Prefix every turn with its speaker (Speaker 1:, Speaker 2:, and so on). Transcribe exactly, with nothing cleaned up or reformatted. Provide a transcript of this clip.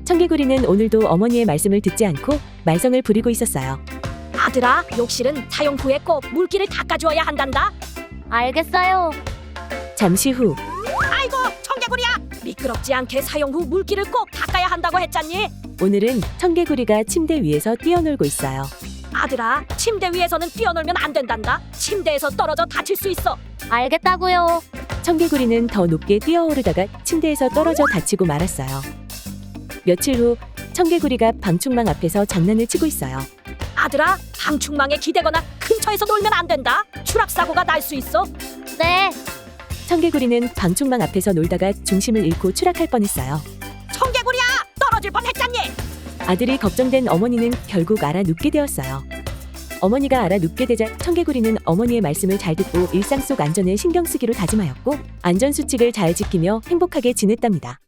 Speaker 1: 청개구리는 오늘도 어머니의 말씀을 듣지 않고 말썽을 부리고 있었어요.
Speaker 2: 아들아, 욕실은 사용 후에 꼭 물기를 닦아주어야 한단다.
Speaker 3: 알겠어요.
Speaker 1: 잠시 후
Speaker 2: 아이고, 청개구리야, 미끄럽지 않게 사용 후 물기를 꼭 닦아야 한다고 했잖니.
Speaker 1: 오늘은 청개구리가 침대 위에서 뛰어놀고 있어요.
Speaker 2: 아들아, 침대 위에서는 뛰어놀면 안 된단다. 침대에서 떨어져 다칠 수 있어.
Speaker 3: 알겠다고요.
Speaker 1: 청개구리는 더 높게 뛰어오르다가 침대에서 떨어져 다치고 말았어요. 며칠 후 청개구리가 방충망 앞에서 장난을 치고 있어요.
Speaker 2: 아들아, 방충망에 기대거나 근처에서 놀면 안 된다. 추락사고가 날 수 있어.
Speaker 3: 네.
Speaker 1: 청개구리는 방충망 앞에서 놀다가 중심을 잃고 추락할 뻔했어요.
Speaker 2: 청개구리야, 떨어질 뻔했잖니.
Speaker 1: 아들이 걱정된 어머니는 결국 알아 눕게 되었어요. 어머니가 알아 눕게 되자 청개구리는 어머니의 말씀을 잘 듣고 일상 속 안전에 신경 쓰기로 다짐하였고 안전수칙을 잘 지키며 행복하게 지냈답니다.